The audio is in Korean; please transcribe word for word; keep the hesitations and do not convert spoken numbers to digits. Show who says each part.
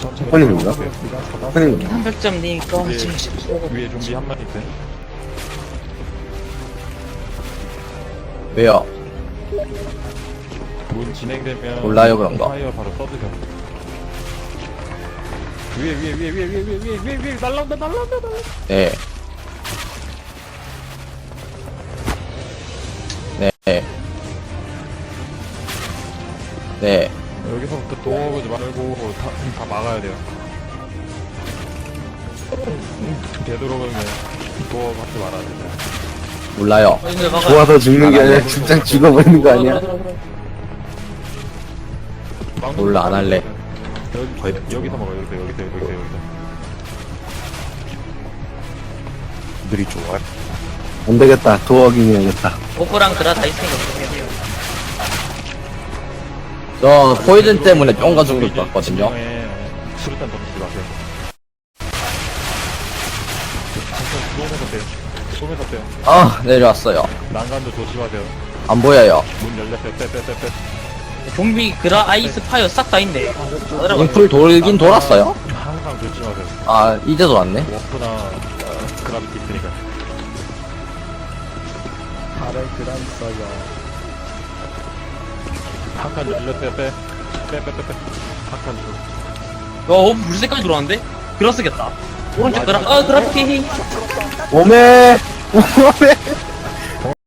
Speaker 1: 선생님인가? 선생님.
Speaker 2: 삼백 점님 거
Speaker 3: 위에,
Speaker 2: 지금 쏘고
Speaker 3: 위에 좀비 한 마리 있어요.
Speaker 4: 왜요?
Speaker 3: 문 진행되면
Speaker 4: 몰라요, 그런 거.
Speaker 3: 파이어 바로 써드세요. 위에 위에 위에 위에 위에 위에 위에 위에 위에 날라온다 날라온다 날라온다.
Speaker 4: 네. 네. 네.
Speaker 3: 여기서부터 도어오지 말고 다, 다 막아야 돼요. 되도록이면 도어 받지 말아야 돼요.
Speaker 4: 몰라요.
Speaker 1: 좋아서 죽는 게 아니라 진짜 죽어버리는 거 아니야?
Speaker 4: 몰라, 안 할래.
Speaker 3: 여기, 여기서 먹어 여기서 여기서 여기서 여기서.
Speaker 1: 들이 좋아. 안 되겠다. 도어긴 해야겠다.
Speaker 2: 오프랑 그라 다 있으니까 그렇게 해요.
Speaker 4: 저 포이즌 때문에 뿅가 죽을 것 같거든요.
Speaker 3: 수류탄 던지지 마세요. 쏘면서 빼요. 쏘면서 빼요.
Speaker 4: 아, 내려왔어요.
Speaker 3: 난간도 조심하세요.
Speaker 4: 안 보여요.
Speaker 3: 문 열렸어요. 빼 빼 빼 빼.
Speaker 2: 좀비 그라 아이스 파이어 싹 다 있네.
Speaker 4: 인풀 돌긴 돌았어요?
Speaker 3: 항상 조심하세요.
Speaker 4: 아, 이제도 왔네.
Speaker 3: 워프나 어, 그라비티 있으니까.
Speaker 5: 발을 그란 써요.
Speaker 3: 한칸 열렸어요. 빼. 빼 빼 빼 빼. 한칸 줄.
Speaker 2: 어, 물색까지 들어왔는데? 그라 쓰겠다. 오른쪽 그라, 아, 그라피티.
Speaker 1: 오메! 오메!